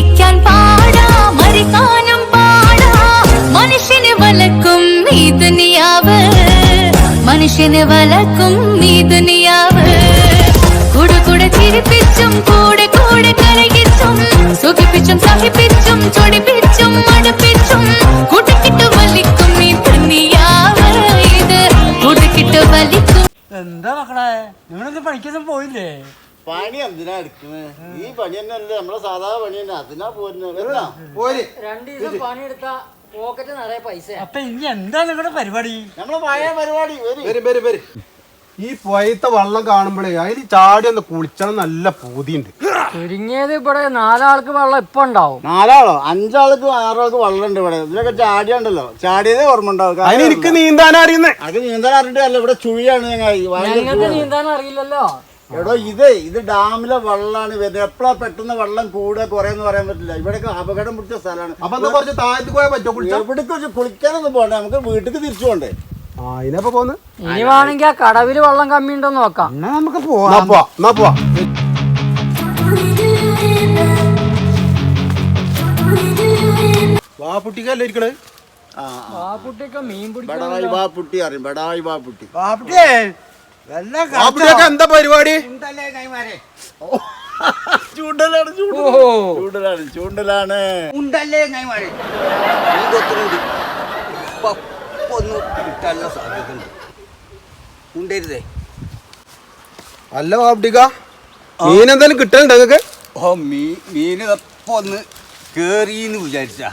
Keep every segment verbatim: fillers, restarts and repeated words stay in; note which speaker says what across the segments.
Speaker 1: ജീവിക്കാൻ പാടാ മരിക്കാനും പാടാ മനുഷ്യനെ വലക്കും ഈ ദുനിയാവ് മനുഷ്യനെ വലക്കും ഈ ദുനിയാവ് കൂടെ കൂടെ ചിരിപ്പിച്ചും കൂടെ കൂടെ കരയിച്ചും സുഖിപ്പിച്ചും സഹിപ്പിച്ചും ചൊടിപ്പിച്ചും അടുപ്പിച്ചും കൂട്ടിക്കിട്ട് വലിക്കും ഈ ദുനിയാവ് ഇത് കൂട്ടിക്കിട്ട് വലിക്കും.
Speaker 2: എന്താ മക്കളെ നിങ്ങളൊന്നും പഠിക്കൊന്നും പോയില്ലേ?
Speaker 3: പണി എന്തിനാ എടുക്കുന്നത്? ഈ പണി തന്നെ അല്ലേ നമ്മളെ സാധാ പണി തന്നെ, അതിനാ പോരുന്നത്.
Speaker 4: രണ്ടു ദിവസം പണിയെടുത്താ പോക്കറ്റ് നിറയെ പൈസ.
Speaker 2: അപ്പൊ ഇനി എന്താ നിങ്ങളുടെ പരിപാടി?
Speaker 3: നമ്മളെ പഴയ പരിപാടി
Speaker 5: വരും വരും വരും. ഈ പുഴത്തെ വെള്ളം കാണുമ്പോഴേ അതിൽ ചാടി ഒന്ന് കുളിച്ചണം, നല്ല പൂതിയുണ്ട്.
Speaker 4: ചുരുങ്ങിയത് ഇവിടെ നാലാൾക്ക് വെള്ളം ഇപ്പൊ ഉണ്ടാവും.
Speaker 3: നാലാളോ അഞ്ചാൾക്ക് ആറാൾക്ക് വെള്ളം ഉണ്ട് ഇവിടെ. ഇതിലൊക്കെ ചാടിയുണ്ടല്ലോ, ചാടിയതേ ഓർമ്മ ഉണ്ടാവും.
Speaker 5: അതിന് എനിക്ക് നീന്താൻ അറിയുന്നേ.
Speaker 3: അത് നീന്താൻ അറിഞ്ഞിട്ടല്ല, ഇവിടെ ചുഴിയാണ്.
Speaker 4: ഞങ്ങൾക്ക് നീന്താൻ അറിയില്ലല്ലോ.
Speaker 3: എടോ ഇത് ഇത് ഡാമിലെ വെള്ളമാണ് വരുന്നത്. എപ്പോഴാ പെട്ടെന്ന് വെള്ളം കൂടുക കുറയെന്ന് പറയാൻ പറ്റില്ല. ഇവിടെയൊക്കെ അപകടം പിടിച്ച സ്ഥലമാണ്.
Speaker 5: അപ്പൊ കുറച്ച് താഴത്ത് പോയാൽ പറ്റോ?
Speaker 3: എവിടേക്ക് കുളിക്കാനൊന്നും പോകണ്ടേ, നമുക്ക് വീട്ടിലേക്ക് തിരിച്ചു പോണ്ടേ?
Speaker 5: ആ ഇതിനപ്പൊ പോന്ന്
Speaker 4: ഇനി വേണമെങ്കിൽ ആ കടവില് വെള്ളം കമ്മി ഉണ്ടോ നോക്കാം.
Speaker 2: എന്നാ നമുക്ക് പോവാം.
Speaker 5: എന്നാ പോവാ. വാപ്പുട്ടിക്കല്ലേ ഇരിക്കണേ?
Speaker 4: വാപ്പുട്ടിയൊക്കെ മീൻ
Speaker 3: ബടായി വാപ്പുട്ടി അറിയും, ബടായി വാപ്പുട്ടി.
Speaker 2: ബാപ്പുട്ടിയെ വല്ല
Speaker 5: വാപ്പുട്ടിയൊക്കെ എന്താ പരിപാടി?
Speaker 3: ചൂണ്ടലാണ് ചൂണ്ടലാണ് ചൂണ്ടലാണ്
Speaker 2: ഉണ്ടല്ലേ കൈമാറി
Speaker 6: ഒന്നും കിട്ടാനുള്ള സാധ്യത ഉണ്ട്. ഉണ്ടരുതേ.
Speaker 5: അല്ല വാപ്പുട്ടിക്ക, മീൻ എന്തായാലും കിട്ടലുണ്ട് നിങ്ങൾക്ക്?
Speaker 6: ഓ മീ മീന് ഇപ്പൊ ഒന്ന് കേറിന്ന് വിചാരിച്ചാ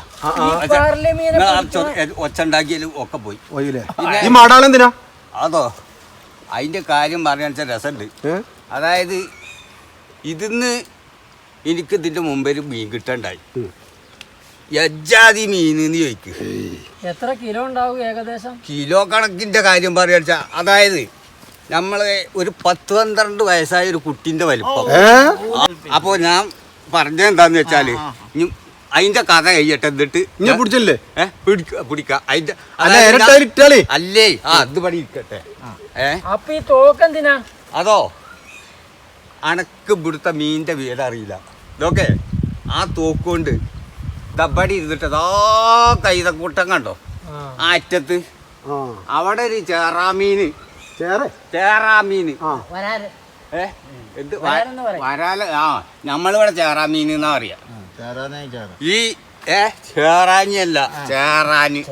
Speaker 6: ഒച്ച ഉണ്ടാക്കിയാലും ഒക്കെ പോയി.
Speaker 5: ഈ മാടാളെന്തിനാ?
Speaker 6: അതോ അതിന്റെ കാര്യം പറയാൻ വെച്ചാൽ രസമുണ്ട്. അതായത് ഇതിന്ന് എനിക്ക് ഇതിന്റെ മുമ്പേ ഒരു മീൻ കിട്ടണ്ടായി. യജ്ജാതി മീനെന്ന് ചോദിക്കും.
Speaker 4: എത്ര കിലോ ഉണ്ടാവും ഏകദേശം?
Speaker 6: കിലോ കണക്കിന്റെ കാര്യം പറയാ, അതായത് നമ്മളെ ഒരു പത്ത് പന്ത്രണ്ട് വയസ്സായ ഒരു കുട്ടിന്റെ വലിപ്പം. അപ്പൊ ഞാൻ പറഞ്ഞത് എന്താന്ന് വെച്ചാല് അതിന്റെ കഥ കഴിയട്ടെ, എന്നിട്ട്
Speaker 5: പിടിച്ചല്ലേ
Speaker 6: പിടിക്കാം അതിന്റെ അല്ലേ. ആ അത് പണി ഇരിക്കട്ടെ. ഏ
Speaker 4: അപ്പൊ ഈ തോക്കെന്തിനാ?
Speaker 6: അതോ അണക്ക് ഇവിടുത്തെ മീനിന്റെ വീട് അറിയില്ല. ഇതൊക്കെ ആ തോക്കുകൊണ്ട് ദബടി ഇരുന്നിട്ട് ആ കൈതക്കൂട്ടം കണ്ടോ ആ അറ്റത്ത്, അവിടെ ഒരു ചേറാമീന് ചേറാമീന് ഏ എന്ത് വരാല. ആ നമ്മളിവിടെ ചേറാമീൻ എന്നാ പറയാ. ഈ ഏ ചേറാനിയല്ല ചേറാന്.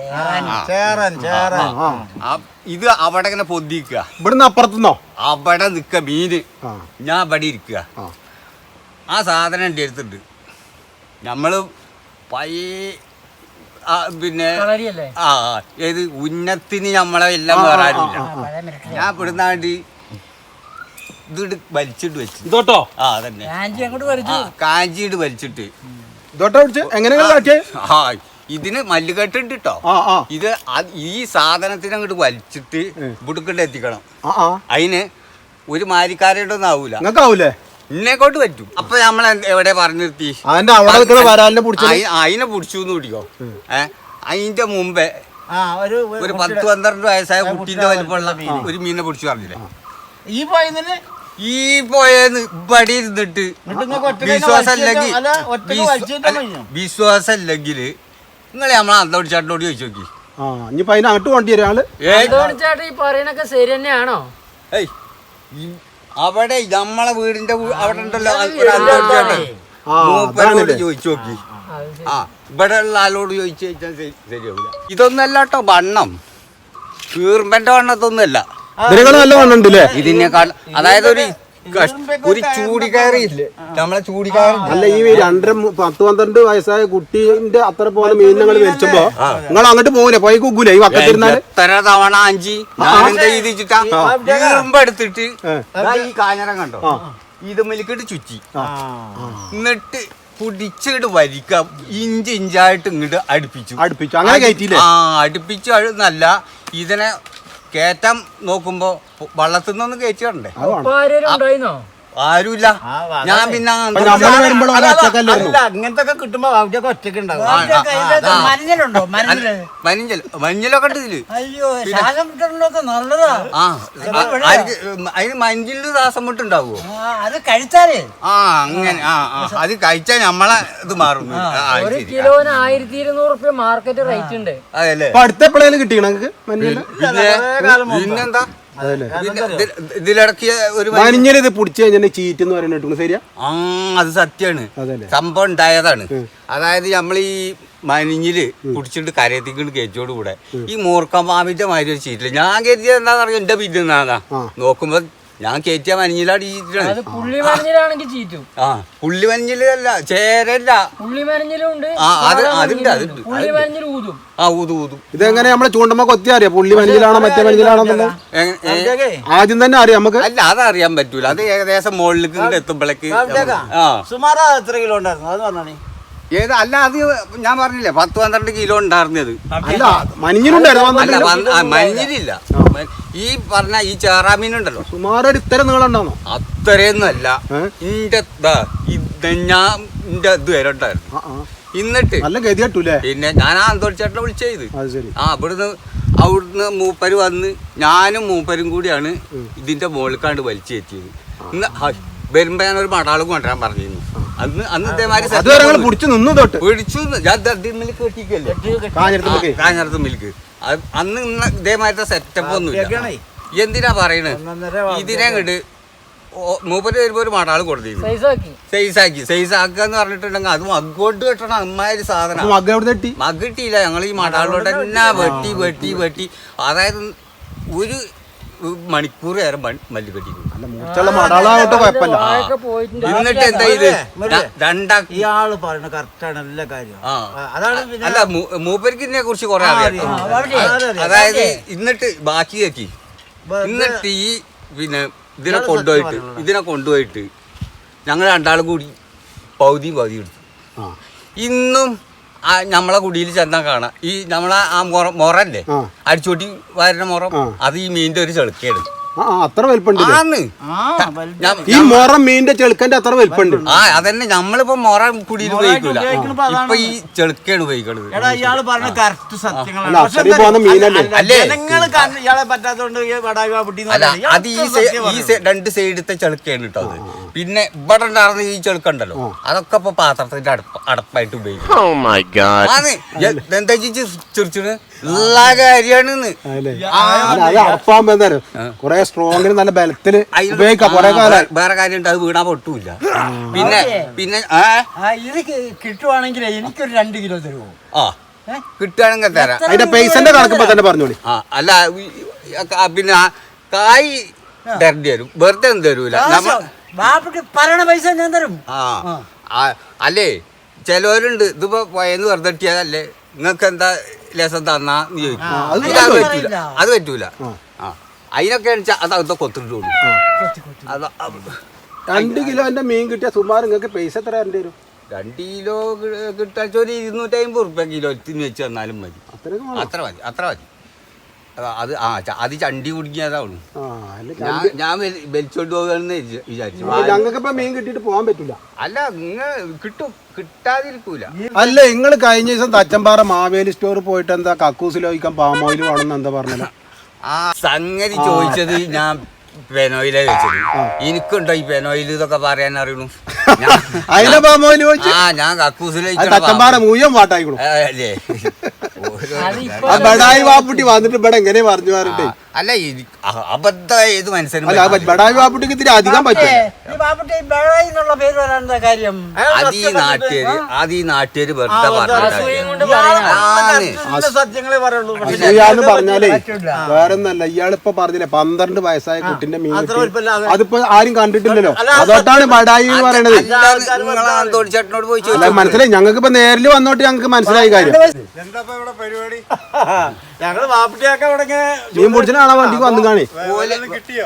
Speaker 6: ഇത് അവിടെ ഇങ്ങനെ പൊന്തിക്കുക.
Speaker 5: ഇവിടുന്ന് അപ്പുറത്തുനിന്നോ?
Speaker 6: അവിടെ നിക്ക മീന്, ഞാൻ ഇവിടെ ഇരിക്കുക. ആ സാധനം എൻ്റെ അടുത്തുണ്ട്. നമ്മള് പയ്യെ പിന്നെ ആ ഏത് ഉന്നത്തിന് നമ്മളെ എല്ലാം വേറാനില്ല. ഞാൻ ഇവിടുന്നാണ്ട് ഇത് വലിച്ചിട്ട് വെച്ചു.
Speaker 5: ഇതോട്ടോ?
Speaker 6: ആ അതന്നെ കാഞ്ചിട്ട് വലിച്ചിട്ട് ആ ഇതിന് മല്ലുകെട്ടുണ്ട് കേട്ടോ. ഇത് ഈ സാധനത്തിന് അങ്ങോട്ട് വലിച്ചിട്ട് ഇവിടുക്കൊണ്ട് എത്തിക്കണം. അതിന് ഒരു മാരിക്കാരോടൊന്നും ആവൂല, ഇന്നേക്കോട്ട് പറ്റും. അപ്പൊ നമ്മൾ എവിടെ പറഞ്ഞു നിർത്തി? അതിനെ പിടിച്ചു പിടിക്കോ. ഏ അതിന്റെ മുമ്പേ ഒരു പത്ത് പന്ത്രണ്ട് വയസ്സായ കുട്ടീന്റെ വലിപ്പമുള്ള ഒരു മീനിനെ പിടിച്ചു പറഞ്ഞില്ലേ.
Speaker 2: ഈ പോയെന്നെ
Speaker 6: ഈ പോയെന്ന് ഇവിടെ ഇരുന്നിട്ട് വിശ്വാസല്ലെങ്കിൽ വിശ്വാസല്ലെങ്കിൽ നിങ്ങളെ നമ്മളെ അന്തോടിച്ചാട്ടോട് ചോദിച്ചു നോക്കി.
Speaker 5: അങ്ങോട്ട് കൊണ്ടി
Speaker 4: ഈ പറയണൊക്കെ ശരി തന്നെയാണോ?
Speaker 6: ഏയ് അവിടെ നമ്മളെ വീടിന്റെ അവിടെ ഉണ്ടല്ലോ ഒരു അന്തോടിച്ചാട്ടൻ, മൂപ്പരോട് ചോദിച്ചു നോക്കി. ആ ഇവിടെ ഉള്ള ആളോട് ചോദിച്ചു ചോദിച്ചാൽ ശരിയാവില്ല. ഇതൊന്നല്ല കേട്ടോ വണ്ണം, കീർമ്പന്റെ വണ്ണത്തൊന്നുമല്ല.
Speaker 5: നല്ല വണ്ണുണ്ടല്ലേ
Speaker 6: ഇതിനേക്കാൾ. അതായത് ഒരു ഒരു ചൂടിക്കയറിയില്ലേ നമ്മളെ ചൂടിക്കയറി.
Speaker 5: അല്ല ഈ രണ്ടര പത്ത് പന്ത്രണ്ട് വയസ്സായ കുട്ടീന്റെ അത്ര പോലെ മീൻ ഞങ്ങൾ വലിച്ചപ്പോ നിങ്ങൾ അങ്ങോട്ട് പോകൂലേ, പോയി കുക്കൂലേ ഈ വക്കത്തിരുന്നാല്?
Speaker 6: എത്ര തവണ അഞ്ചി ഞാനെന്താ ചെയ്തിട്ടാ എടുത്തിട്ട് ഈ കാഞ്ഞറ കണ്ടോ ഇത് മെലിക്കിട്ട് ചുറ്റി, എന്നിട്ട് പിടിച്ചിട്ട് വലിക്കാം. ഇഞ്ച് ഇഞ്ചായിട്ട് ഇങ്ങോട്ട് അടുപ്പിച്ചു
Speaker 5: അടുപ്പിച്ചു അങ്ങനെ കയറ്റിയില്ലേ?
Speaker 6: ആ അടുപ്പിച്ചു. നല്ല ഇതിനെ കേറ്റാൻ നോക്കുമ്പോ വള്ളത്തിൽ നിന്നൊന്ന് കയറ്റി വരണ്ടേ. ആരുമില്ല
Speaker 3: ആ, അതാണ്.
Speaker 6: ഞാൻ പിന്നെ
Speaker 5: അപ്പൊ നമ്മള് വരുമ്പോഴും
Speaker 3: അല്ല, അല്ല,
Speaker 5: ഒറ്റക്കല്ലേ ഉള്ളൂ.
Speaker 3: അല്ല, അങ്ങനത്തെ ഒക്കെ കിട്ടുമ്പോ അവിടെയൊക്കെ ഒറ്റക്ക് ഉണ്ടാവും
Speaker 6: ആ, ആ, ആ, ആ.
Speaker 2: മഞ്ഞളുണ്ടോ മഞ്ഞള്
Speaker 6: മഞ്ഞൾ മഞ്ഞളൊക്കെ ഉണ്ട് ഇതില്
Speaker 2: അയ്യോ ശ്വാസം കിട്ടണൊക്കെ നല്ലതാ
Speaker 6: ആ ആർക്ക് അതിന് മഞ്ഞളില് ശ്വാസം മുട്ടുണ്ടാവുമോ
Speaker 2: ആ, അത് കഴിച്ചാലേ
Speaker 6: ആ അങ്ങനെ ആ ആ അത് കഴിച്ചാൽ നമ്മളെ ഇത് മാറുന്നു ആ, ആ,
Speaker 4: ഒരു
Speaker 6: ശരി.
Speaker 4: കിലോന് ആയിരത്തി ഇരുന്നൂറ് റുപ്യ മാർക്കറ്റ് റേറ്റ് ഉണ്ട്.
Speaker 6: അതല്ലേ
Speaker 5: അപ്പൊ അടുത്ത എപ്പോഴേലും കിട്ടിയോ നിങ്ങൾക്ക് മഞ്ഞൾ?
Speaker 6: പിന്നെ പിന്നെന്താ
Speaker 5: അതല്ലേ
Speaker 6: പിന്നെ ഇത്- ഇതിലിടക്കിയ ഒരു മഞ്ഞ-
Speaker 5: മഞ്ഞൾ ഇത് പിടിച്ചു കഴിഞ്ഞാൽ ചീറ്റ് എന്ന് പറയുന്നത് ശരിയാ?
Speaker 6: ആ അത് സത്യാണ്
Speaker 5: അതല്ലേ
Speaker 6: സംഭവം ഉണ്ടായതാണ് അതായത് നമ്മൾ ഈ മനിഞ്ഞില് കുടിച്ചിട്ട് കരയത്തിക്കൊണ്ട് കയറ്റോട് കൂടെ ഈ മൂർക്കമാവിന്റെ മാതിരി ഒരു ചീറ്റില്ല ഞാൻ കയറ്റിയത് എന്താണെന്ന് അറിയാം എന്റെ പിന്നാ നോക്കുമ്പോ ഞാൻ കയറ്റിയ മനിഞ്ഞിലാണ് ചീറ്റാണ്
Speaker 4: അത് പുള്ളി മഞ്ഞിലാണെങ്കിൽ ചീറ്റും.
Speaker 6: ആ പുള്ളി മനിഞ്ഞിലല്ല ചേരല്ല
Speaker 4: പുള്ളി മഞ്ഞിലും ഉണ്ട്,
Speaker 6: ആ, അത്
Speaker 4: സാധാ
Speaker 6: അതുണ്ട്,
Speaker 4: മഞ്ഞിലും
Speaker 6: അതുണ്ട്,
Speaker 4: ഉണ്ട്. പുള്ളി മഞ്ഞിൽ ഊതും.
Speaker 6: ആ ഊതു ഊതും
Speaker 5: ഇതെങ്ങനെ നമ്മളെ ചൂണ്ടമ്മ കൊത്തി അറിയാം പുള്ളി മഞ്ഞിലാണോ മറ്റേ മഞ്ഞിലാണോ എന്നുള്ളത്?
Speaker 6: എങ്ങനെ- ഏ?
Speaker 5: ആദ്യം തന്നെ അറിയാം നമുക്ക്.
Speaker 6: അല്ല അതറിയാൻ പറ്റൂല അത് ഏകദേശം മുകളിലേക്ക് ഇങ്ങോട്ട് എത്തുമ്പോഴേക്ക് ആ
Speaker 3: സുമാറ് എത്ര കിലോ ഉണ്ടായിരുന്നു അത് പറഞ്ഞാണേ
Speaker 6: ഏത് അല്ല അത് ഞാൻ പറഞ്ഞില്ലേ പത്ത് പന്ത്രണ്ട് കിലോ ഉണ്ടായിരുന്നത്
Speaker 5: അല്ല മഞ്ഞിലുണ്ടായിരുന്നു
Speaker 6: അല്ല വന്ന് ആ, മഞ്ഞിലില്ല ഈ പറഞ്ഞ ഈ ചേറാമീനുണ്ടല്ലോ
Speaker 5: സുമാർ ഒരു ഇത്തരം നീളം ഉണ്ടാണോ?
Speaker 6: അത്രയൊന്നും അല്ല
Speaker 5: ഏ?
Speaker 6: ഇന്റെ ഇത് ഞാൻ ഇന്റെ ഇത് വരെ ഉണ്ടായിരുന്നു
Speaker 5: ആ, ആ.
Speaker 6: എന്നിട്ട്
Speaker 5: നല്ല ഗതി കെട്ടൂലേ?
Speaker 6: പിന്നെ ഞാൻ ആ അന്തോളിച്ചേട്ടനെ വിളിച്ചത്
Speaker 5: അത് ശരി.
Speaker 6: ആ അവിടുന്ന് അവിടുന്ന് മൂപ്പര് വന്ന് ഞാനും മൂപ്പരും കൂടിയാണ് ഇതിന്റെ മുകളിൽ വലിച്ചു കയറ്റിയത് ഇന്ന് ഹ, വരുമ്പോ ഞാൻ ഒരു മടാളും കൊണ്ടുവരാൻ പറഞ്ഞിരുന്നു അന്ന് അന്ന് ഇതേമാതിരി
Speaker 5: അത് വരെ ഞങ്ങൾ പിടിച്ചു നിന്നു തൊട്ട്
Speaker 6: പിടിച്ചു ഞാൻ ദദ്ദിമ്മല് കെട്ടിക്കല്ലേ
Speaker 5: കാഞ്ഞിരത്തുമ്പൊക്കെ.
Speaker 6: കാഞ്ഞിരത്ത് മിൽക്ക് അത് അന്ന് ഇന്ന് ഇതേമാതിരത്തെ സെറ്റപ്പ് ഒന്നുമില്ല എന്തിനാ പറയണത് ഇതിനെ കണ്ട് മൂപ്പര് വരുമ്പോ ഒരു മടാള് കൊടുത്തിരുന്നു
Speaker 4: സൈസാക്കി
Speaker 6: സൈസാക്കി സൈസാക്കുക എന്ന് പറഞ്ഞിട്ടുണ്ടെങ്കിൽ അത് മഗ്ഗോട്ട് കെട്ടണം അമ്മാതിരി സാധനം
Speaker 5: മക എവിടെ തട്ടി?
Speaker 6: മഗ് കിട്ടിയില്ല ഞങ്ങൾ ഈ മടാളിലോട്ട് തന്നെ വെട്ടി വെട്ടി വെട്ടി അതായത് ഒരു മണിക്കൂർ നേരം മല്ലി കെട്ടിക്കുന്നു
Speaker 5: അല്ല മൂച്ചുള്ള മടാളാവട്ടെ കുഴപ്പമില്ല.
Speaker 4: വാഴൊക്കെ പോയിട്ടുണ്ട്.
Speaker 6: എന്നിട്ട് എന്താ ഇത് രണ്ടാ
Speaker 3: ഇയാള് പറയുന്ന കറക്റ്റാണ് എല്ലാ കാര്യം
Speaker 6: ആ
Speaker 3: അതാണ് പിന്നെ
Speaker 6: അല്ല മൂ- മൂപ്പർക്ക് ഇതിനെ കുറിച്ച് കുറെ അറിയാം അതായത് എന്നിട്ട് ബാക്കി കേക്കി എന്നിട്ട് ഈ പിന്നെ ഇതിനെ കൊണ്ടുപോയിട്ട് ഇതിനെ കൊണ്ടുപോയിട്ട് ഞങ്ങൾ രണ്ടാളും കൂടി പൗതിയും പൗതിയും എടുത്തു
Speaker 5: ആ.
Speaker 6: ഇന്നും ആ നമ്മളെ കുടിയിൽ ചെന്നാൽ കാണാം ഈ നമ്മളെ ആ മൊറ മൊറല്ലേ
Speaker 5: ആ.
Speaker 6: അടിച്ചോട്ടി വരുന്ന മുറം അത് ഈ മീനിന്റെ ഒരു ചെളുക്കയാണ്
Speaker 5: ആ ആ, അത്ര വലിപ്പുണ്ട് ഇത്.
Speaker 6: ആന്ന് ഞാൻ-
Speaker 5: ഈ മൊറം മീനിന്റെ ചെളുക്കന്റെ അത്ര വലിപ്പുണ്ട്.
Speaker 6: ആ അതന്നെ നമ്മളിപ്പോ മൊറ കുടിയിൽ ഉപയോഗിക്കൂല ഇപ്പൊ ഈ ചെളുക്കയാണ് ഉപയോഗിക്കണത്
Speaker 3: എടാ ഇയാള് പറഞ്ഞ കറക്റ്റ്
Speaker 5: അല്ല
Speaker 3: സത്യങ്ങളാണ്
Speaker 5: അത്രയും പോകുന്ന മീനല്ലേ?
Speaker 6: അല്ലേ?
Speaker 3: ജനങ്ങൾ ഇയാളെ പറ്റാത്തോണ്ട് വടായുവാ പൊട്ടി
Speaker 6: അല്ല അത് ഈ സൈ- ഈ സൈ- രണ്ട് സൈഡത്തെ ചെളുക്കയാണ് കേട്ടോ അത് പിന്നെ ഇവിടെ ഉണ്ടായിരുന്ന ഈ ചെളുക്കുണ്ടല്ലോ അതൊക്കെ ഇപ്പൊ പാത്രത്തിന്റെ അടപ്പ അടപ്പായിട്ട് ഉപയോഗിക്കും ആണ് എന്താ ചെറിച്ചിന് എല്ലാ കാര്യമാണ്
Speaker 5: അതല്ലേ? അല്ല, അത് അറപ്പാകുമ്പോ എന്തായാലും കൊറേ സ്ട്രോങ്ങിന് നല്ല ബലത്തില് ഉപയോഗിക്കാം കൊറേ കാലം.
Speaker 6: വേറെ കാര്യമുണ്ട് അത് വീണാ പൊട്ടൂല പിന്നെ പിന്നെ ആ
Speaker 2: ഇത് കിട്ടുവാണെങ്കിൽ എനിക്കൊരു രണ്ട് കിലോ തരുമോ?
Speaker 6: ആ കിട്ടുകയാണെങ്കിൽ തരാം
Speaker 5: അതിന്റെ പൈസന്റെ കണക്കിപ്പോ തന്നെ പറഞ്ഞോളി.
Speaker 6: ആ അല്ല ഈ- ആ, പിന്നെ ആ കായ് തരേണ്ടി വരും വെറുതെ ഒന്നും തരൂല നമ്മ
Speaker 2: ബാപ്പക്ക് പറയണ പൈസ ഞാൻ തരും.
Speaker 6: ആ ആ, അല്ലേ ചിലവരുണ്ട് ഇതിപ്പോ പോയെന്ന് വെറുതെ ഇട്ടിയതല്ലേ നിങ്ങൾക്ക് എന്താ ലേസം തന്നാന്ന് ചോദിക്കും
Speaker 5: അത്
Speaker 6: ഇത് അത് പറ്റൂല അത് പറ്റൂല ആ അതിനൊക്കെ അത് അതൊക്കെ കൊത്തിട്ടോളൂ അത്
Speaker 5: രണ്ട് കിലോന്റെ മീൻ കിട്ടിയ സുമാർ നിങ്ങൾക്ക് പൈസ എത്ര തരേണ്ടി വരും?
Speaker 6: രണ്ട് കിലോ കിട്ടാച്ച ഒരു ഇരുന്നൂറ്റി അമ്പത് റുപ്യ കിലോത്തിന് വെച്ച് തന്നാലും മതി
Speaker 5: അത്രയൊക്കെ വേണം.
Speaker 6: അത്ര മതി അത്ര മതി അതാ, അത് ആ ച- അത് ചണ്ടി കുടിക്കാതാവുള്ളൂ
Speaker 5: ആ, അല്ല,
Speaker 6: ഞാൻ ഞാൻ വലി- വലിച്ചോണ്ട് പോകാന്ന് വിചാരിച്ചു
Speaker 5: ഞങ്ങൾക്ക് ഇപ്പൊ മീൻ കിട്ടിയിട്ട് പോകാൻ പറ്റില്ല.
Speaker 6: അല്ല നിങ്ങൾ കിട്ടും കിട്ടാതിരിക്കൂല
Speaker 5: അല്ല നിങ്ങൾ കഴിഞ്ഞ ദിവസം തച്ചമ്പാറ മാവേലി സ്റ്റോർ പോയിട്ട് എന്താ കക്കൂസിൽ ഒഴിക്കാൻ പാം ഓയിൽ വേണമെന്ന് എന്താ പറഞ്ഞത്?
Speaker 6: ആ സംഗതി ചോദിച്ചത് ഞാൻ പെനോയിലാ ചോദിച്ചത് എനിക്കുണ്ടോ ഈ പെനോയിൽ ഇതൊക്കെ പറയാൻ അറിയണു ഞാൻ-
Speaker 5: അതിലെ പാം ഓയിൽ ചോദിച്ചു.
Speaker 6: ആ ഞാൻ കക്കൂസിൽ
Speaker 5: അത് തച്ചമ്പാറ മുഴുവൻ വാട്ടായിക്കണു.
Speaker 6: അല്ലേ
Speaker 5: ആ ബടായി വാപ്പുട്ടി വന്നിട്ട് ഇവിടെ എങ്ങനെ പറഞ്ഞു പറഞ്ഞിട്ട്
Speaker 6: അല്ല അബദ്ധ ഏത് മനസ്സിലും
Speaker 5: അല്ല ആ ബടായി വാപ്പുട്ടിക്ക് ഇത്തിരി അധികം പറ്റും.
Speaker 2: ഈ ബാപ്പുട്ടി ബേളായി എന്നുള്ള പേര് വരാൻ എന്താ കാര്യം?
Speaker 6: അത് ഈ നാട്ടുകാര് അത് ഈ നാട്ടുകാര് വെറുതെ
Speaker 4: അസൂയം കൊണ്ട്
Speaker 6: പറഞ്ഞു
Speaker 3: സത്യങ്ങളെ പറയുള്ളൂ
Speaker 5: ഇയാളെന്ന് പറഞ്ഞാലേ വേറെ ഒന്നല്ല ഇയാളിപ്പോ പറഞ്ഞില്ലേ പന്ത്രണ്ട് വയസ്സായ കുട്ടിന്റെ മീൻ കിട്ടി. അതിപ്പോ ആരും കണ്ടിട്ടില്ലല്ലോ അതോട്ടാണ് ബടായി എന്ന് പറയണത്.
Speaker 6: നിങ്ങളെ അന്തോടിച്ചേട്ടനോട് പോയി
Speaker 5: അല്ല
Speaker 6: ചോദിച്ചു
Speaker 5: മനസ്സിലായി ഞങ്ങൾക്ക് ഇപ്പൊ നേരിൽ വന്നോട്ട് ഞങ്ങൾക്ക് മനസ്സിലായി കാര്യം.
Speaker 3: എന്താ ഇവിടെ പരിപാടി ഞങ്ങള് വാപ്പട്ടിയൊക്കെ ഇവിടെ
Speaker 5: മീൻ പിടിച്ചിട്ടാണോ വണ്ടിക്ക് വന്നു കാണി?
Speaker 3: കിട്ടിയോ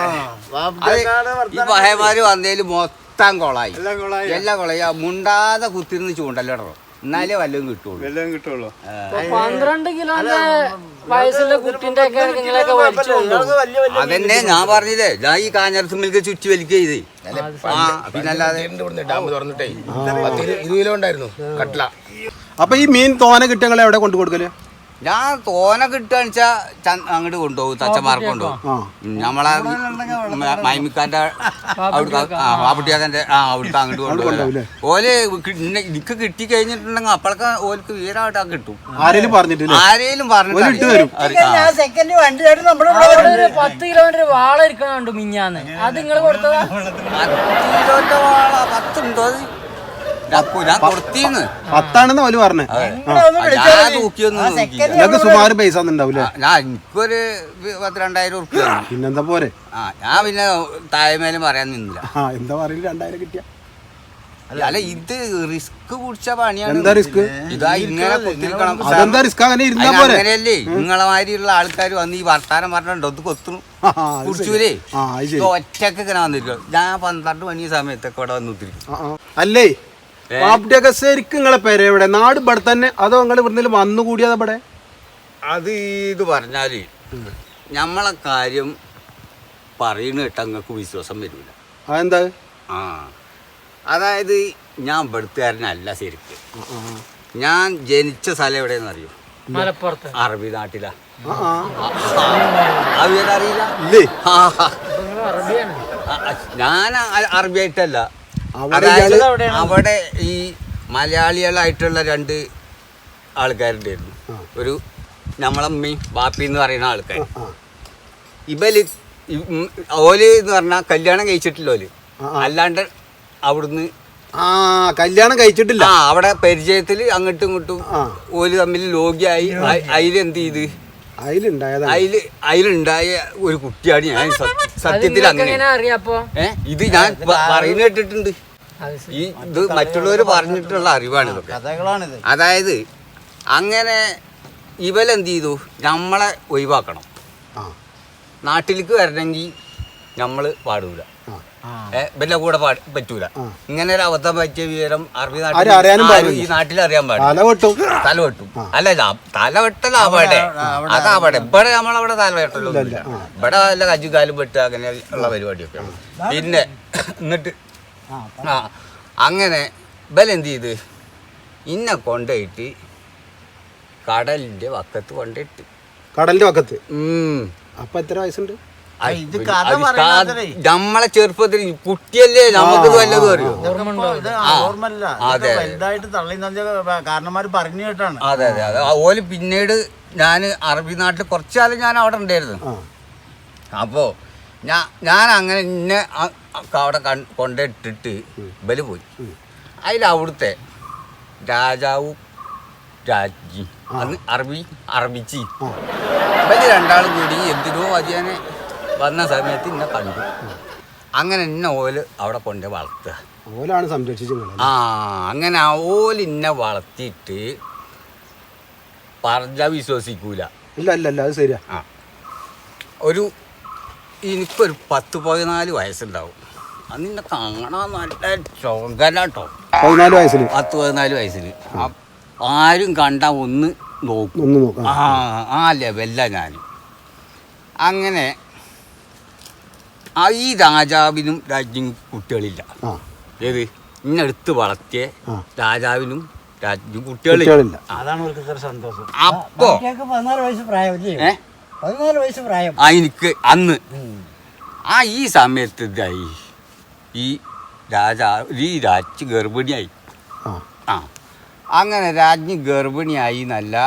Speaker 6: ഈ പഹയമാര് വന്നതില് മൊത്തം കൊളായി എല്ലാം കൊളായി മുണ്ടാതെ കുത്തിരുന്ന് ചൂണ്ടല്ലോ എന്നാലേ വല്ലതും കിട്ടുള്ളൂ.
Speaker 5: വല്ലതും കിട്ടുള്ളൂ.
Speaker 4: പന്ത്രണ്ട് കിലോന്റെ വയസ്സിലെ കുട്ടിന്റെ ഒക്കെ നിങ്ങളൊക്കെ വലിച്ചു കൊണ്ടുപോകും.
Speaker 6: അതന്നെ ഞാൻ പറഞ്ഞില്ലേ, ഞാൻ ഈ കാഞ്ഞിരത്ത് മിൽക്ക് ചുറ്റി വലിക്കുക ചെയ്ത്. ആ പിന്നല്ലാതെ
Speaker 7: ഡാം തുറന്നിട്ടേ പത്ത് ഇരുപത് കിലോ ഉണ്ടായിരുന്നു കട്ട്ല.
Speaker 5: അപ്പൊ ഈ മീൻ തോന കിട്ടിയ എവിടെ കൊണ്ടു കൊടുക്കല്?
Speaker 6: ഞാൻ തോന കിട്ടുകയെന്ന് വെച്ചാൽ അങ്ങോട്ട് കൊണ്ടുപോകും, തച്ചന്മാർക്ക് കൊണ്ടുപോകും. നമ്മളെ മൈമിക്കാന്റെ അവിടെ പാപ്പുട്ടിയാക്കന്റെ ആ അവിടുത്തെ അങ്ങോട്ട് കൊണ്ടുപോകും. ഓല് എനിക്ക് കിട്ടി കഴിഞ്ഞിട്ടുണ്ടെങ്കിൽ അപ്പോഴൊക്കെ ഓർക്ക് വീരായിട്ട് കിട്ടും.
Speaker 5: ആരേലും പറഞ്ഞിട്ടില്ല?
Speaker 6: ആരേലും പറഞ്ഞിട്ട്
Speaker 2: സെക്കൻഡ് വണ്ടിയായിട്ട് നമ്മുടെ
Speaker 4: അവിടെ ഒരു പത്ത് കിലോന്റെ വാള ഇരിക്കണുണ്ട് മിഞ്ഞാന്ന്. അത് നിങ്ങൾ കൊടുത്തതാ?
Speaker 6: പത്ത് കിലോന്റെ വാള പത്തുണ്ടോ? ഞാൻ കൊടുത്തീന്ന്.
Speaker 5: പത്താണെന്ന് ഓല് പറഞ്ഞേ.
Speaker 6: ഞാൻ തൂക്കിയൊന്നും
Speaker 5: നിങ്ങൾക്ക് സുമാറ് പൈസ ഒന്നുണ്ടാവൂലേ?
Speaker 6: ഞാൻ എനിക്കൊരു പത്ത് രണ്ടായിരം ഉറുപ്പ്യ.
Speaker 5: പിന്നെന്താ പോരെ?
Speaker 6: ആ ഞാൻ പിന്നെ താഴ്മേലും പറയാൻ നിന്നില്ല.
Speaker 5: ആ എന്താ പറയില്ല, രണ്ടായിരം കിട്ടിയ
Speaker 6: അല്ല ഇത് റിസ്ക് പിടിച്ച പണിയാണ്.
Speaker 5: എന്താ റിസ്ക്?
Speaker 6: ഇതാ ഇങ്ങനെ കൊത്തിരിക്കണം.
Speaker 5: അതെന്താ റിസ്ക്? അങ്ങനെ ഇരുന്നാ പോരെ?
Speaker 6: അങ്ങനെയല്ലേ നിങ്ങളെ മാതിരിയുള്ള ആൾക്കാർ വന്ന് ഈ വർത്താനം പറഞ്ഞോ ഇത് കൊത്തുന്നു കുടിച്ചൂലേ? ഒറ്റക്ക് ഇങ്ങനെ വന്നിരിക്കും. ഞാൻ പന്ത്രണ്ട് മണി സമയത്തൊക്കെ ഇവിടെ വന്നിരിക്കും.
Speaker 5: അല്ലേ പാപ്പുട്ടിയൊക്കെ ശരിക്കും നിങ്ങളെ പേര് എവിടെ? നാട് ഇവിടെ തന്നെ അതോ നിങ്ങൾ ഇവിടുന്ന് വന്നു കൂടിയത് ഇവിടെ?
Speaker 6: അത് ഇത് പറഞ്ഞാല് നമ്മളെ കാര്യം പറയുന്ന കേട്ടാ നിങ്ങൾക്ക് വിശ്വാസം വരില്ല.
Speaker 5: അതെന്താ?
Speaker 6: ആ അതായത് ഞാൻ ഇവിടുത്തുകാരനല്ല ശരിക്ക്. ഞാൻ ജനിച്ച സ്ഥലം എവിടെയെന്ന് അറിയോ?
Speaker 4: മലപ്പുറത്ത്
Speaker 6: അറബി നാട്ടിലാ. അറിയില്ല? ഞാൻ അറബി ആയിട്ടല്ല, അതായത് അവിടെ ഈ മലയാളികളായിട്ടുള്ള രണ്ട് ആൾക്കാരുണ്ടായിരുന്നു. ഒരു നമ്മളമ്മയും ബാപ്പി എന്ന് പറയുന്ന ആൾക്കാർ. ഇവല് ഓല് എന്ന് പറഞ്ഞാൽ കല്യാണം കഴിച്ചിട്ടില്ല. ഓല് അല്ലാണ്ട് അവിടുന്ന്
Speaker 5: ആ കല്യാണം കഴിച്ചിട്ടില്ല.
Speaker 6: ആ അവിടെ പരിചയത്തിൽ അങ്ങോട്ടും ഇങ്ങോട്ടും ഓല് തമ്മിൽ ലോകിയായി. അതിലെന്ത് ചെയ്ത് അതില് അതിലുണ്ടായ ഒരു കുട്ടിയാണ് ഞാൻ. സത്യത്തിൽ അങ്ങനെ ഏ ഇത് ഞാൻ പറയുന്ന കേട്ടിട്ടുണ്ട്. ഈ ഇത് മറ്റുള്ളവർ പറഞ്ഞിട്ടുള്ള അറിവാണ് ഇതൊക്കെ. അതായത് അങ്ങനെ ഇവലെന്ത് ചെയ്തു, നമ്മളെ ഒഴിവാക്കണം. നാട്ടിലേക്ക് വരണമെങ്കിൽ നമ്മൾ പാടൂല, ഇവന്റെ കൂടെ പറ്റൂല. ഇങ്ങനെ ഒരു അബദ്ധം പറ്റിയ വിവരം അറബി നാട്ടിൽ ഈ നാട്ടിൽ അറിയാൻ പാടില്ല. തല വെട്ടും. അല്ല തലവെട്ടല അവിടെ, അതവിടെ. ഇവിടെ നമ്മളവിടെ തലവെട്ടലൊന്നും ഇല്ല. ഇവിടെ വല്ല കജ്ജുകാലും വെട്ടുക അങ്ങനെ ഉള്ള പരിപാടിയൊക്കെയാണ്. പിന്നെ എന്നിട്ട് ആ അങ്ങനെ ഇവലെന്ത് ചെയ്ത് ഇന്നെ കൊണ്ടുപോയിട്ട് കടലിന്റെ വക്കത്ത് കൊണ്ടിട്ട്.
Speaker 5: കടലിന്റെ വക്കത്ത്?
Speaker 6: ഉം
Speaker 5: അപ്പൊ എത്ര വയസ്സുണ്ട്?
Speaker 6: നമ്മളെ ചെറുപ്പത്തിൽ കുട്ടിയല്ലേ, നമുക്ക് വല്ലതും അറിയോ?
Speaker 3: കാരണന്മാര് പറഞ്ഞു കേട്ടാണ്.
Speaker 6: അതെ അതെ അതെ. ഓല് പിന്നീട് ഞാൻ അറബി നാട്ടിൽ കുറച്ചു കാലം ഞാൻ അവിടെ ഉണ്ടായിരുന്നു. അപ്പോ ഞാൻ ഞാൻ അങ്ങനെ ഇന്നെ അവിടെ കൊണ്ടിട്ടിട്ട് ബല് പോയി. അതിൽ അവിടുത്തെ രാജാവും രാജ്ഞി അന്ന് അറബി അറബിച്ചി ബല് രണ്ടാളും കൂടി എന്തിനോ അതിയാനെ വന്ന സമയത്ത് ഇന്നെ കണ്ടു. അങ്ങനെ ഇന്ന ഓല് അവിടെ കൊണ്ട് വളർത്തുക.
Speaker 5: ഓലാണ് സംരക്ഷിച്ചു.
Speaker 6: ആ അങ്ങനെ ഓല് ഇന്നെ വളർത്തിയിട്ട് പറഞ്ഞാൽ വിശ്വസിക്കൂല.
Speaker 5: ഇല്ല ഇല്ല ഇല്ല അത് ശരിയാ.
Speaker 6: ആ ഒരു എനിക്കൊരു പത്ത് പതിനാല് വയസ്സുണ്ടാവും. അന്ന് എന്നെ കാണാൻ നല്ല ചൊങ്കലാട്ടോ.
Speaker 5: പതിനാല് വയസ്സിൽ
Speaker 6: പത്ത് പതിനാല് വയസ്സിൽ ആരും കണ്ടാൽ ഒന്ന് നോക്കും. ആ ആ ലെവല്ല ഞാൻ. അങ്ങനെ ആ ഈ രാജാവിനും രാജ്ഞിയും കുട്ടികളില്ല. ഏത് ഇന്നെടുത്ത് വളർത്തിയ രാജാവിനും രാജ്ഞിയും കുട്ടികളില്ല.
Speaker 2: അതാണ് സന്തോഷം.
Speaker 6: അപ്പോ
Speaker 2: പതിനാല് വയസ്സ് പ്രായം. ഏ പതിനാല് വയസ്സ് പ്രായം
Speaker 6: ആ എനിക്ക് അന്ന്. ആ ഈ സമയത്ത് ഇതായി ഈ രാജാ ഈ രാജ്ഞി ഗർഭിണിയായി. ആ അങ്ങനെ രാജ്ഞി ഗർഭിണിയായി എന്നല്ല,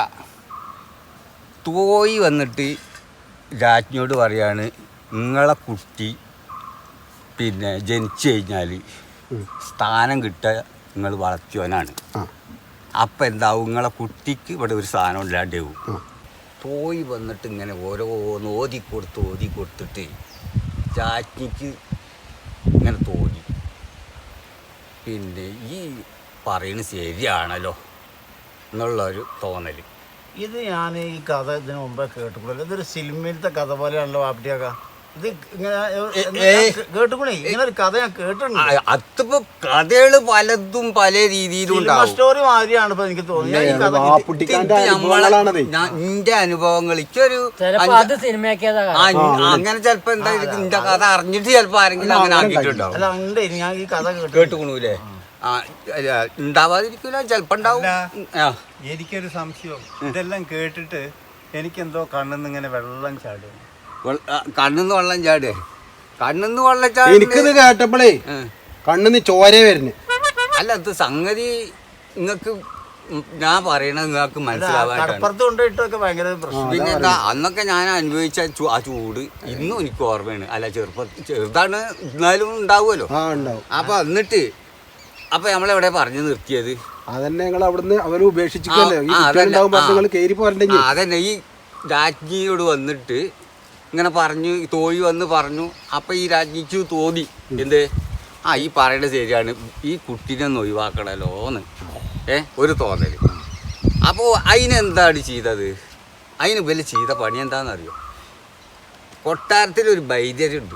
Speaker 6: തോയി വന്നിട്ട് രാജ്ഞിയോട് പറയാണ് നിങ്ങളെ കുട്ടി പിന്നെ ജനിച്ചു കഴിഞ്ഞാൽ സ്ഥാനം കിട്ടുക നിങ്ങൾ വളർത്തിയവനാണ്. അപ്പം എന്താവും, നിങ്ങളെ കുട്ടിക്ക് ഇവിടെ ഒരു സ്ഥാനം ഇല്ലാണ്ടാവും. തോയി വന്നിട്ട് ഇങ്ങനെ ഓരോന്ന് ഓതി കൊടുത്ത് ഓതി കൊടുത്തിട്ട് രാജ്ഞിക്ക് ഇങ്ങനെ തോന്നി, പിന്നെ ഈ പറയുന്നത് ശരിയാണല്ലോ എന്നുള്ളൊരു തോന്നൽ.
Speaker 3: ഇത് ഞാൻ ഈ കഥ ഇതിനു മുമ്പേ കേട്ടിട്ടുള്ളൂ. ഇതൊരു സിനിമയിലത്തെ കഥ പോലെയാണല്ലോ വാപ്പിട്ടിയാക്ക. ഇത് ഇങ്ങനെ
Speaker 6: ഏയ്.
Speaker 3: കേട്ടുകൂടെ ഇങ്ങനെ ഒരു കഥ ഞാൻ കേട്ടിട്ടുണ്ട്.
Speaker 6: അതിപ്പോ കഥകള് പലതും പല രീതിയിലും
Speaker 3: സിനിമ
Speaker 6: ഉണ്ടാവും.
Speaker 3: സ്റ്റോറി മാതിരിയാണ് ഇപ്പൊ എനിക്ക് തോന്നിയത് ഈ കഥ കേട്ടിട്ട്.
Speaker 5: വാപ്പുട്ടിക്കാന്റെ അനുഭവങ്ങളാണത്.
Speaker 6: എന്റെ അനുഭവങ്ങൾ ഇക്കൊരു
Speaker 4: ചിലപ്പോ അത് സിനിമയാക്കിയതാ
Speaker 6: ആ, അങ്ങനെ ചെലപ്പോ എന്താ എന്റെ കഥ അറിഞ്ഞിട്ട് ചെലപ്പോ ആരെങ്കിലും അങ്ങനെ ആക്കിയിട്ടുണ്ടാവും.
Speaker 3: അല്ല ഉണ്ട് ഞാൻ ഈ കഥ കേട്ടു.
Speaker 6: കേട്ടുക്കണൂലേ? ആ അല്ല, ഉണ്ടാവാതിരിക്കൂല, ചെലപ്പോ ഉണ്ടാവും. ആ
Speaker 8: എനിക്കൊരു സംശയം, ഇതെല്ലാം കേട്ടിട്ട് എനിക്കെന്തോ കണ്ണിന്ന് ഇങ്ങനെ വെള്ളം ചാടും.
Speaker 6: വെള്ള- ആ, കണ്ണിന്ന് വെള്ളം ചാടേ കണ്ണിന്ന് വെള്ളം ചാടി.
Speaker 5: എനിക്കിത് കേട്ടപ്പോഴേ കണ്ണിന്ന് ചോര വരുന്നു.
Speaker 6: അല്ല, ഇത് സംഗതി നിങ്ങക്ക് ഞാൻ പറയണത് നിങ്ങൾക്ക് മനസ്സിലാവാൻ.
Speaker 3: കടപ്പുറത്ത് കൊണ്ടുപോയിട്ടൊക്കെ ഭയങ്കര പ്രശ്നം.
Speaker 6: പിന്നെ എന്താ അന്നൊക്കെ ഞാൻ അനുഭവിച്ച ചൂ- ആ ചൂട് ഇന്നും എനിക്ക് ഓർമ്മയാണ്. അല്ല, ചെറുപ്പ ചെറുതാണ് എന്നാലും ഉണ്ടാവുമല്ലോ.
Speaker 5: ആ ഉണ്ടാവും.
Speaker 6: അപ്പൊ എന്നിട്ട് അപ്പൊ നമ്മളെവിടെ പറഞ്ഞു നിർത്തിയത്?
Speaker 5: അതന്നെ ഞങ്ങൾ അവിടുന്ന് അവര് ഉപേക്ഷിച്ചിട്ടല്ലേ ഈ
Speaker 6: ആ, അതന്നെ.
Speaker 5: കുട്ടികളുണ്ടാവും
Speaker 6: ആ.
Speaker 5: നിങ്ങൾ കയറി പോരണ്ടെങ്കിൽ.
Speaker 6: ആ, അതന്നെ ഈ രാജ്ഞിയോട് വന്നിട്ട് ഇങ്ങനെ പറഞ്ഞു, തോഴി വന്ന് പറഞ്ഞു. അപ്പം ഈ രാജ്ഞിക്ക് തോന്നി എന്ത്, ആ ഈ പറയണത് ശരിയാണ്, ഈ കുട്ടീനെ ഒന്ന് ഒഴിവാക്കണല്ലോന്ന് ഏ ഒരു തോന്നൽ. അപ്പോൾ അതിനെന്താണ് ചെയ്തത്? അതിന് വലിയ ചെയ്ത പണി എന്താണെന്നറിയോ? കൊട്ടാരത്തിലൊരു വൈദ്യരുണ്ട്.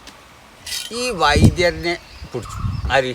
Speaker 6: ഈ വൈദ്യരനെ പിടിച്ചു. ആര്?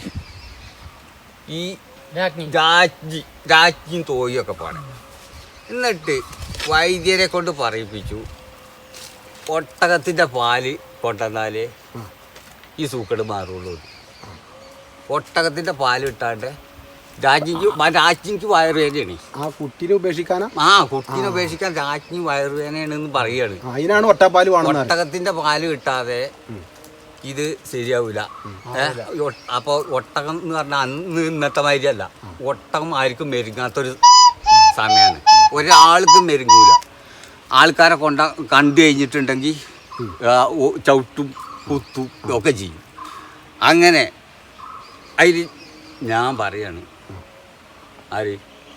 Speaker 6: ഈ
Speaker 4: രാജ്ഞി
Speaker 6: രാജ്ഞി രാജ്ഞിയും തോഴിയൊക്കെ പാടെ. എന്നിട്ട് വൈദ്യരെ കൊണ്ട് പറയിപ്പിച്ചു, ഒട്ടകത്തിൻ്റെ പാല് കൊണ്ടുവന്നാലേ ഈ സൂക്കട് മാറുള്ളൂ. ഒട്ടകത്തിൻ്റെ പാല് ഇട്ടാണ്ട് രാജ്ഞിക്ക് രാജ്ഞിക്ക് വയറുവേദനയാണ്.
Speaker 5: ആ കുട്ടീനെ ഉപേക്ഷിക്കാനാ?
Speaker 6: ആ കുട്ടീനെ ഉപേക്ഷിക്കാൻ രാജ്ഞി വയറുവേദനയാണെന്ന് പറയാണ്.
Speaker 5: അതിനാണ് ഒട്ടപ്പാല് വേണം.
Speaker 6: ഒട്ടകത്തിൻ്റെ പാല് കിട്ടാതെ ഇത് ശരിയാവില്ല. അപ്പോൾ ഒട്ടകം എന്ന് പറഞ്ഞാൽ അന്ന് ഇന്നത്തെ മാതിരിയല്ല. ഒട്ടകം ആർക്കും മെരുങ്ങാത്തൊരു സമയമാണ്. ഒരാൾക്കും മെരുങ്ങൂല. ആൾക്കാരെ കൊണ്ട കണ്ടു കഴിഞ്ഞിട്ടുണ്ടെങ്കിൽ ചവിട്ടും കുത്തും ഒക്കെ ചെയ്യും. അങ്ങനെ അതിൽ ഞാൻ പറയാണ്, ആര്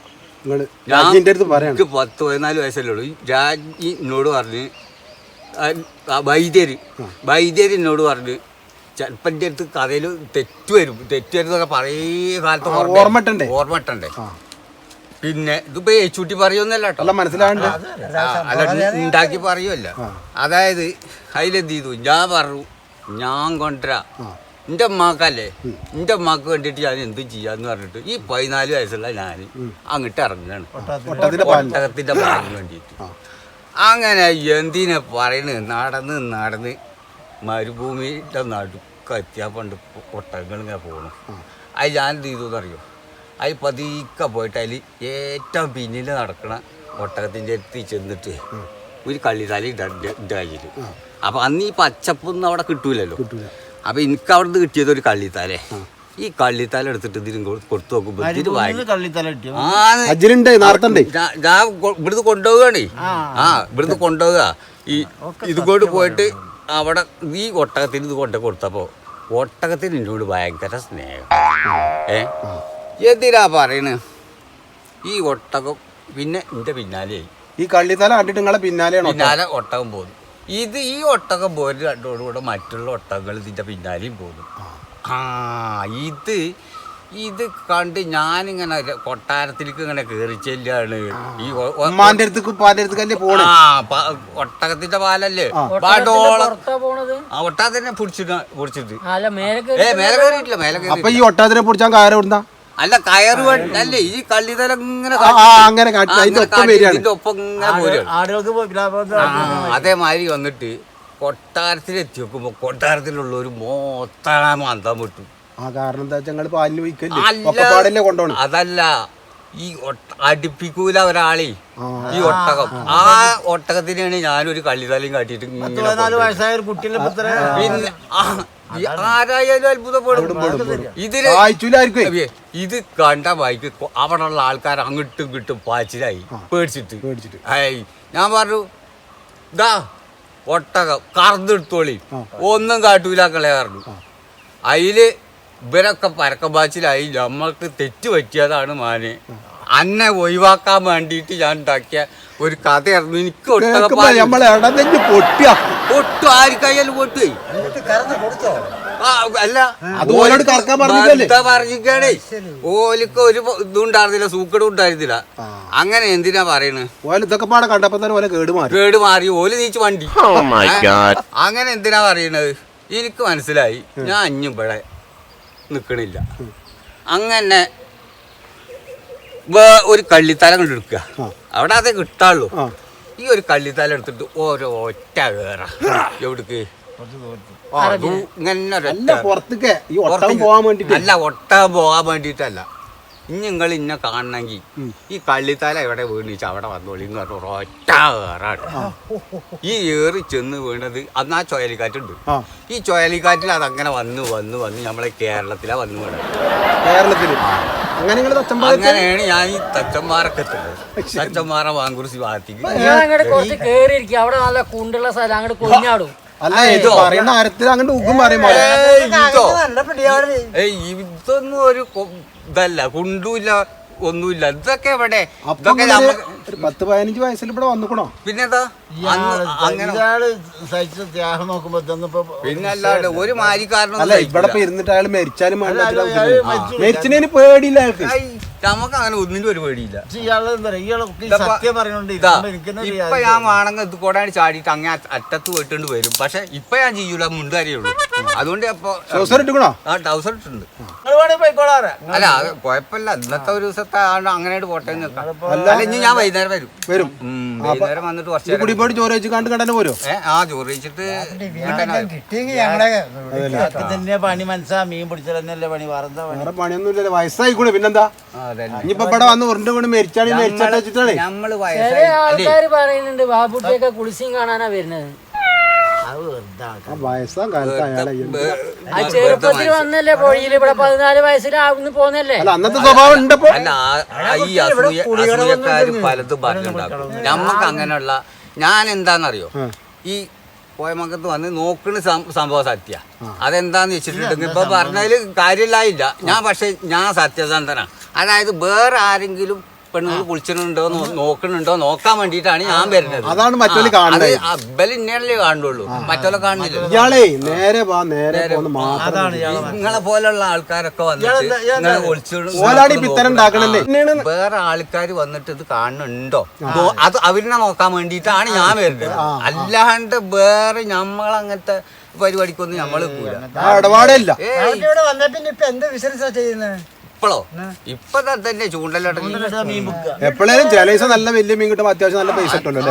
Speaker 5: ഞാൻ
Speaker 6: പത്ത് പതിനാല് വയസ്സല്ലേ ഉള്ളൂ. രാജ്ഞി എന്നോട് പറഞ്ഞ്, വൈദ്യര് വൈദ്യര് എന്നോട് പറഞ്ഞ് ചിലപ്പോൾ എൻ്റെ അടുത്ത് കഥയിൽ തെറ്റ് വരും. തെറ്റ് വരുന്നതൊക്കെ പഴയ കാലത്ത്
Speaker 5: ഓർമ്മട്ടണ്ടേ
Speaker 6: ഓർമ്മട്ടണ്ടേ പിന്നെ ഇതിപ്പോ ഏച്ചൂട്ടി പറയുമെന്നല്ല കേട്ടോ,
Speaker 5: മനസ്സിലാവണ്ട.
Speaker 6: അല്ല ഉണ്ടാക്കി പറയുമല്ല. അതായത് അതിലെന്ത് ചെയ്തു, ഞാൻ പറഞ്ഞു ഞാൻ കൊണ്ടുവരാ എൻ്റെ അമ്മാക്കല്ലേ, എൻ്റെ അമ്മാക്ക് വേണ്ടിയിട്ട് ഞാൻ എന്തും ചെയ്യാന്ന് പറഞ്ഞിട്ട് ഈ പതിനാല് വയസ്സുള്ള ഞാൻ അങ്ങോട്ട് ഇറങ്ങുകയാണ് ഒട്ടകത്തിൻ്റെ പാലിന് വേണ്ടിയിട്ട്. അങ്ങനെ എന്തിനെ പറയണ്, നടന്ന് നടന്ന് മരുഭൂമിയുടെ നടുക്ക് എത്തിയാൽ പണ്ട് ഒട്ടകങ്ങൾ ഇങ്ങനെ പോകണം. അത് ഞാൻ എന്ത് ചെയ്തു എന്നറിയോ, അതിൽ പതുക്കെ പോയിട്ട് അതിൽ ഏറ്റവും പിന്നിൽ നടക്കണ ഒട്ടകത്തിൻ്റെ അടുത്ത് ചെന്നിട്ട് ഒരു കള്ളിത്താലി ഇട്ട കയ്യിൽ. അപ്പം അന്ന് ഈ പച്ചപ്പൊന്നും അവിടെ കിട്ടൂലല്ലോ. അപ്പം എനിക്ക് അവിടെ നിന്ന് കിട്ടിയത് ഒരു കള്ളിത്താലേ. ഈ കള്ളിത്താല എടുത്തിട്ട് ഇതിന് കൊടുത്തു നോക്കുമ്പോൾ ഞാൻ ഇവിടുന്ന് കൊണ്ടുപോവുകയാണേ. ആ ഇവിടുന്ന് കൊണ്ടുപോവുക. ഈ ഇതുകൊണ്ട് പോയിട്ട് അവിടെ ഈ ഒട്ടകത്തിന് ഇത് കൊണ്ടു കൊടുത്തപ്പോൾ ഒട്ടകത്തിന് എന്നോട് ഭയങ്കര സ്നേഹം. ഏ എന്തിനാ പറയണ്, ഈ ഒട്ടകം പിന്നെ എൻ്റെ പിന്നാലെ
Speaker 5: ഈ കള്ളിത്തല കണ്ടിട്ട് നിങ്ങളെ പിന്നാലെയാണ്
Speaker 6: പിന്നാലെ ഒട്ടകം പോകുന്നു. ഇത് ഈ ഒട്ടകം പോയിട്ട് രണ്ടോടുകൂടെ മറ്റുള്ള ഒട്ടകങ്ങൾ ഇതിൻ്റെ പിന്നാലെയും പോകുന്നു. ആ ഇത് ഇത് കണ്ട് ഞാനിങ്ങനെ കൊട്ടാരത്തിലേക്ക് ഇങ്ങനെ കയറി ചെല്ലാണ്. ഈ ഒട്ടകത്തിന്റെ പാലല്ലേ ആ ഒട്ടകത്തിനെ പിടിച്ചിട്ട് പിടിച്ചിട്ട് ഏ മേലെ കയറിയിട്ടില്ല. മേലെ കയറി
Speaker 5: ഈ ഒട്ടകത്തിനെ പിടിച്ചാൽ കയറി വിടുന്ന
Speaker 6: അല്ല, കയറ് അല്ലേ ഈ കള്ളിതല ഇങ്ങനെ
Speaker 5: ഇതിന്റെ
Speaker 6: ഒപ്പം ഇങ്ങനെ പോരുകയാണ്. അതേമാതിരി വന്നിട്ട് കൊട്ടാരത്തിലെത്തി നോക്കുമ്പോ കൊട്ടാരത്തിലുള്ള ഒരു മൊത്തം അന്തം വിട്ടു.
Speaker 5: ആ കാരണം എന്താ വെച്ചാൽ ഞങ്ങള് പാലിന് വയ്ക്കല്ലേ കൊണ്ടോണം.
Speaker 6: അതല്ല, ഈ അടുപ്പിക്കൂല ഒരാളെ ഈ ഒട്ടകം. ആ ഒട്ടകത്തിനാണ് ഞാനൊരു കള്ളിതലയും കാട്ടിയിട്ട് പിന്നെ ആരായാലും അത്ഭുതപ്പെടും. ഇതിന് ഇത് കണ്ട വായിക്ക് അവിടെ ഉള്ള ആൾക്കാർ അങ്ങോട്ടും ഇങ്ങോട്ടും പാച്ചിലായി പേടിച്ചിട്ട് പേടിച്ചിട്ട് ഏയ് ഞാൻ പറഞ്ഞു, ഇതാ ഒട്ടകം കറന്നെടുത്തോളി, ഒന്നും കാട്ടൂലാക്കളെ പറഞ്ഞു. അതില് ഇവരൊക്കെ പരക്കം പാച്ചിലായി. നമ്മൾക്ക് തെറ്റ് പറ്റിയതാണ് മാനെ, അന്നെ ഒഴിവാക്കാൻ വേണ്ടിയിട്ട് ഞാൻ ഉണ്ടാക്കിയ ഒരു കഥയായിരുന്നു. എനിക്ക് ഒട്ടകം പൊട്ടു ആർക്കായാലും പൊട്ടുപോയി. അല്ല
Speaker 5: അത് ഓലോട് കറക്കാൻ പറഞ്ഞിട്ടല്ലേ?
Speaker 6: പറഞ്ഞിക്കാണേ ഓലിക്ക് ഒരു ഇതും ഉണ്ടായിരുന്നില്ല, സൂക്കടും ഉണ്ടായിരുന്നില്ല. അങ്ങനെ എന്തിനാ പറയണ്?
Speaker 5: ഓല ഇതൊക്കെ പാടെ കണ്ടപ്പോ തന്നെ ഓല കേട് മാറി
Speaker 6: കേട് മാറി ഓല് നീച്ച് വണ്ടി. അങ്ങനെ എന്തിനാ പറയണത്? എനിക്ക് മനസ്സിലായി. ഞാൻ അഞ്ഞും ഇവിടെ നിക്കണില്ല. അങ്ങനെ ഒരു കള്ളിത്തല കണ്ട് എടുക്കുക, അവിടെ അതേ കിട്ടാള്ളൂ. ഈ ഒരു കള്ളിത്തല എടുത്തിട്ട് ഓരോ ഒറ്റ കേറ എവിടേക്ക് ഇങ്ങനെ
Speaker 5: പുറത്തേക്ക് ഈ ഒട്ടകം പോകാൻ വേണ്ടിട്ട്
Speaker 6: അല്ല, ഒട്ടകം പോകാൻ വേണ്ടിട്ടല്ല. ഇനി നിങ്ങൾ ഇന്നെ കാണണമെങ്കിൽ ഈ കള്ളിത്തല എവിടെ വീണിച്ച് അവിടെ വന്നോളി എന്ന് പറഞ്ഞ ഒറ്റ ഏറാണ്. ഈ ഏറി ചെന്ന് വീണത് അന്ന് ആ ചുഴലിക്കാറ്റുണ്ട്. ഈ ചുഴലിക്കാറ്റിൽ അതങ്ങനെ വന്ന് വന്ന് വന്ന് നമ്മളെ കേരളത്തിലാ വന്ന് വീണത്.
Speaker 5: കേരളത്തില്
Speaker 6: അങ്ങനെയാണ് ഞാൻ ഈ തച്ചന്മാരൊക്കെ എത്തുന്നത്. തച്ചന്മാറ വാങ്കുറിശി ഭാഗത്തേക്ക്
Speaker 4: കുറച്ച് കേറിയിരിക്കും, അവിടെ നല്ല കുണ്ടുള്ള സ്ഥലം, അങ്ങോട്ട് കൊഞ്ഞാടും.
Speaker 5: അല്ല ഇത് പറയുന്ന കാര്യത്തിൽ അങ്ങോട്ട് ഉഗ്ഗും പറയുമ്പോ
Speaker 6: ഇതൊന്നും ഒരു ഇതല്ല, കുണ്ടുമില്ല, ഒന്നുമില്ല. ഇതൊക്കെ എവിടെ?
Speaker 5: പത്ത് പതിനഞ്ച് വയസ്സിൽ ഇവിടെ വന്നിക്കണോ?
Speaker 6: പിന്നെന്താ അങ്ങനെ പിന്നല്ലാണ്ട് ഒരു മാരിക്കാരനും
Speaker 5: അല്ല ഇവിടെ ഇരുന്നിട്ട് അയാൾ മരിച്ചാലും മരിച്ചതിന് പേടിയില്ല അയാൾക്ക്.
Speaker 6: നമുക്ക് അങ്ങനെ ഒന്നിനും ഒരു പേടിയില്ല.
Speaker 3: സത്യം പറയുന്നുണ്ട്.
Speaker 6: ഇപ്പൊ ഞാൻ വേണമെങ്കിൽ ഇത് കൂടാണ്ട് ചാടിയിട്ട് അങ്ങനെ അറ്റത്ത് പോയിട്ടുണ്ട് വരും. പക്ഷെ ഇപ്പൊ ഞാൻ ചെയ്യൂല, മുണ്ടറിയുള്ളൂ. അതുകൊണ്ട് അപ്പൊ
Speaker 5: ട്രൗസർ ഇട്ടുക്കണോ?
Speaker 6: ആ ട്രൗസർ ഇട്ടുണ്ട്. അല്ല അത് കുഴപ്പമില്ല, ഇന്നത്തെ ഒരു ദിവസത്തെ അങ്ങനെ പോട്ടെ അല്ല. ഇനി ഞാൻ വൈകുന്നേരം വരും
Speaker 5: വരും
Speaker 6: വൈകുന്നേരം വന്നിട്ട് കുറച്ച്
Speaker 5: കുടിപ്പോടി ചോറ് വെച്ച് കണ്ട് കണ്ടന്നെ പോരോ?
Speaker 6: ഏഹ് ആ ചോറ് വെച്ചിട്ട്
Speaker 3: പണി മനസ്സാ മീൻ പിടിച്ചല്ലേ പണി.
Speaker 5: വേറെ പണിയൊന്നും ഇല്ലല്ലോ, വയസ്സായിക്കൂടെ പിന്നെന്താ? ഇനിയിപ്പോ ഇവിടെ വന്ന് ഉരുണ്ട് കൊണ്ട് മരിച്ചാണ് മരിച്ചാട്ട് വെച്ചിട്ടാണ്.
Speaker 6: നമ്മള്
Speaker 4: ചില ആൾക്കാര് പറയുന്നുണ്ട് ബാബുട്ടിയൊക്കെ കുളിസിയും കാണാനാ വരുന്നത്.
Speaker 5: വയസ്സാം കാലത്ത് അയാളെ
Speaker 4: ആ ചെറുപ്പത്തിൽ വന്നല്ലേ പൊഴിയില്, ഇവിടെ പതിനാല് വയസ്സിലാവുന്ന പോന്നല്ലേ.
Speaker 5: അന്നത്തെ സ്വഭാവം ഉണ്ടപ്പോ.
Speaker 6: അല്ല ഈ അസൂയ അസൂയക്കാര് പലതും പറഞ്ഞിട്ടുണ്ടാകും. നമ്മക്ക് അങ്ങനെയുള്ള ഞാൻ എന്താന്നറിയോ, ഈ കോയമക്കത്ത് വന്ന് നോക്കുന്ന സംഭവം സത്യ. അതെന്താന്ന് വെച്ചിട്ടുണ്ടെങ്കിൽ ഇപ്പൊ പറഞ്ഞതിൽ കാര്യമില്ലായില്ല. ഞാൻ പക്ഷെ ഞാൻ സത്യസന്ധനാണ്. അതായത് വേറെ ആരെങ്കിലും പെണ്ണുങ്ങൾ കുളിച്ചിട്ടുണ്ടോ നോക്കണുണ്ടോ നോക്കാൻ വേണ്ടിയിട്ടാണ് ഞാൻ വരുന്നത്.
Speaker 5: അതാണ് മറ്റൊരു കാണുന്നത്.
Speaker 6: അബ്ബൽ ഇന്നല്ലേ കാണുള്ളൂ, മറ്റുള്ള കാണില്ല.
Speaker 5: ഇയാളെ നേരെ വാ നേരെ
Speaker 6: നിങ്ങളെ പോലുള്ള ആൾക്കാരൊക്കെ വന്നിട്ട് വേറെ ആൾക്കാർ വന്നിട്ട് ഇത് കാണുന്നുണ്ടോ അത് അവരിനെ നോക്കാൻ വേണ്ടിയിട്ടാണ് ഞാൻ വരുന്നത്. അല്ലാണ്ട് വേറെ നമ്മളങ്ങനത്തെ പരിപാടിക്കൊന്നും നമ്മള്
Speaker 5: ഇടപാടില്ല.
Speaker 6: ഇപ്പോഴോ ഇപ്പൊ തന്നെ ചൂണ്ടലോട്ടം
Speaker 5: എപ്പോഴേലും ചില ദിവസം നല്ല വലിയ മീൻ കിട്ടുമ്പോ അത്യാവശ്യം നല്ല പൈസ കിട്ടുമല്ലോ.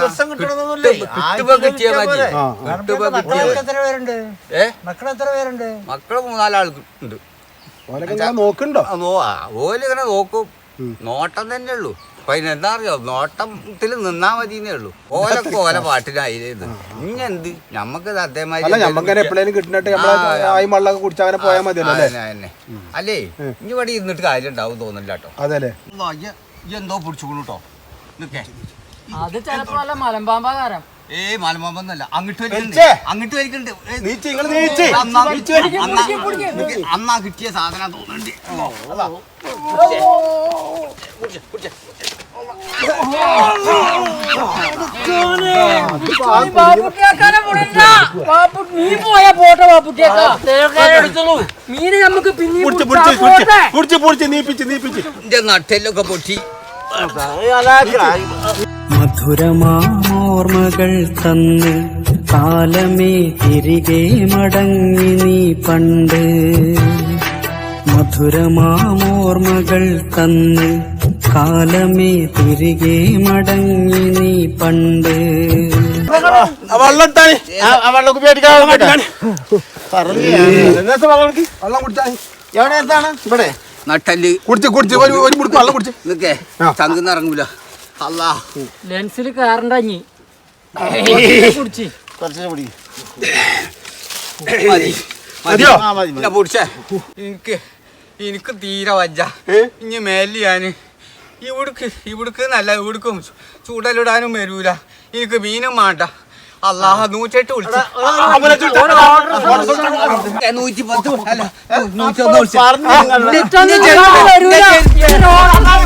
Speaker 6: മക്കള് മൂന്നാലാൾക്ക് ഉണ്ട്.
Speaker 5: നോക്കുന്നുണ്ടോ?
Speaker 6: ഓലിങ്ങനെ നോക്കും, നോട്ടം തന്നെ ഉള്ളൂ. അപ്പൊ അതിനെന്താ അറിയോ, നോട്ടത്തിൽ നിന്നാ മതിന്നേ ഉള്ളൂ. ഓലൊക്കെ ഓല പാട്ടിനായിരുന്നു. ഇഞ്ഞെന്ത് ഞമ്മക്ക്
Speaker 5: അതേമാതിരി എപ്പോഴേലും കിട്ടുന്നിട്ട് വെള്ളമൊക്കെ കുടിച്ച് അങ്ങനെ പോയാൽ മതിയല്ലോ
Speaker 6: തന്നെ. അല്ലേ ഇനി ഇവിടെ ഇരുന്നിട്ട് കാര്യം ഉണ്ടാവും തോന്നില്ല കേട്ടോ.
Speaker 5: അതെ
Speaker 6: എന്തോ പിടിച്ചുകൊള്ളൂട്ടോ നിക്കേ.
Speaker 4: അത് ചിലപ്പോ നല്ല മലമ്പാമ്പാകാരം.
Speaker 6: ഏയ് മലമ്പാമ്പൊന്നല്ല, അങ്ങോട്ട് അങ്ങോട്ട് വരിക്കുന്നുണ്ട്. അന്നാ കിട്ടിയ സാധനം തോന്നുന്നുണ്ട്.
Speaker 4: നീ പോയാ പോട്ടെ ബാബുട്ടിയേക്കാ, മീന് നമുക്ക്
Speaker 6: എന്റെ നട്ടെല്ലൊക്കെ പൊട്ടി.
Speaker 9: മധുരമാർമകൾ തന്ന് കാലമേ തിരികെ മടങ്ങി നീ പണ്ട്. മധുരമാർമകൾ തന്ന് കാലമേ തിരികെ മടങ്ങി നീ പണ്ട്.
Speaker 5: വെള്ളം കുടിച്ചാ
Speaker 3: എവിടെ എന്താണ് ഇവിടെ
Speaker 6: നട്ടല്
Speaker 5: കുടിച്ച് കുടിച്ച് ഒരു മുടുക്ക് വെള്ളം കുടിച്ച്
Speaker 6: നിക്കേ, ചങ്കുന്ന് ഇറങ്ങൂല. അല്ലാ
Speaker 4: ലെൻസിൽ കാറണ്ടഞ്ഞി കുടിച്ച്
Speaker 3: കുറച്ചു പിടി
Speaker 6: മതിയോ? പൊടിച്ചേ എനിക്ക് എനിക്ക് തീരെ വജ്ജ. ഇനി മേലിൽ ഞാൻ ഇവിടുക്ക് ഇവിടുക്ക് നല്ല ഇവിടുക്കും ചൂടലിടാനും വരൂല. എനിക്ക് മീനും വേണ്ട. അല്ലാഹ നൂറ്റെട്ട് വിളിച്ചു നൂറ്റി പത്ത് അല്ല നൂറ്റൊന്ന് വിളിച്ചു.